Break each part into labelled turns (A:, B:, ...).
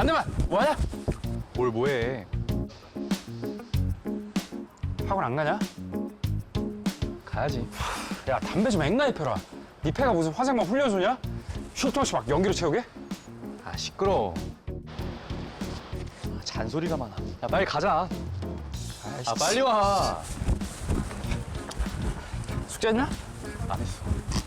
A: 한대만 뭐하냐?
B: 뭘 뭐해?
A: 학원 안 가냐?
B: 가야지.
A: 야 담배 좀 앵나게 펴라. 네 패가 무슨 화생방 훈련소냐? 쉴 틈 없이 막 연기로 채우게?
B: 아 시끄러. 잔소리가 많아. 야 빨리 가자. 아 빨리 와.
A: 숙제했냐?
B: 안 했어.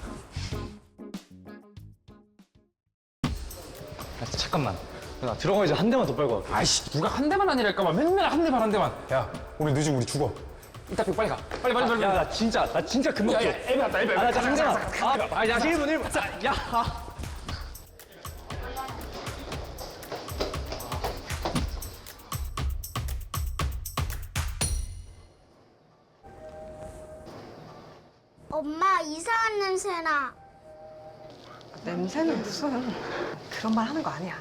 B: 야, 잠깐만. 나 들어가기 전에 한 대만 더 빨고 갈게.
A: 아이씨 누가 한 대만 아니랄까봐 맨날 한 대만 한 대만. 야 오늘 늦으면 우리 죽어. 이따 삐 빨리 가. 빨리.
B: 야, 나 진짜 금방
A: 야,
B: 줘.
A: 애비 왔다 애비.
B: 아, 나 진짜 한 대만. 야, 1분. 야.
C: 엄마 이상한 냄새나.
D: 냄새는 무슨 그런 말 하는 거 아니야.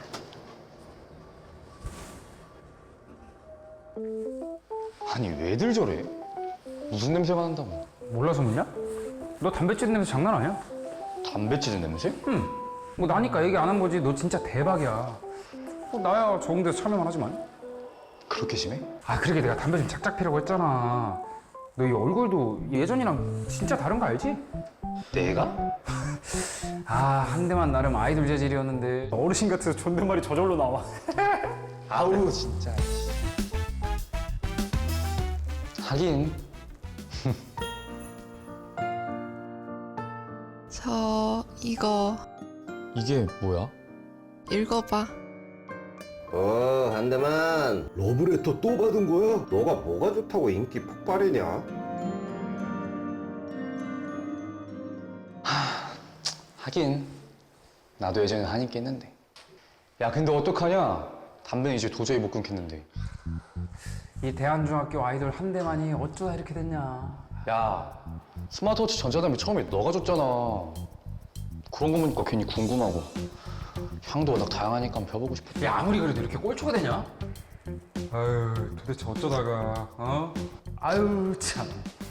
B: 아니 왜들 저래? 무슨 냄새가 난다고?
A: 몰라서 묻냐? 너 담배 찌는 냄새 장난 아니야?
B: 담배 찌는 냄새?
A: 응. 뭐 나니까 얘기 안 한 거지. 너 진짜 대박이야. 뭐 나야 좋은 데서 참여만 하지만.
B: 그렇게 심해?
A: 아 그러게 내가 담배 좀 작작 피라고 했잖아. 너 이 얼굴도 예전이랑 진짜 다른 거 알지?
B: 내가?
A: 아 한 대만 나름 아이돌 재질이었는데 어르신 같아서 존댓말이 저절로 나와.
B: 아우 진짜. 하긴.
E: 이거
B: 이게 뭐야?
E: 읽어봐.
F: 한대만 러브레터 또 받은 거야? 너가 뭐가 좋다고 인기 폭발이냐?
B: 하긴 나도 예전에 한입 깼는데. 야 근데 어떡하냐? 담배는 이제 도저히 못 끊겠는데.
A: 이 대한중학교 아이돌 한 대만이 어쩌다 이렇게 됐냐.
B: 야 스마트워치 전자담배 처음에 너가 줬잖아. 그런 거 보니까 괜히 궁금하고. 향도 워낙 다양하니까 한번 펴보고 싶어.
A: 야 아무리 그래도 이렇게 꼴초가 되냐? 아유 도대체 어쩌다가 어? 아유 참.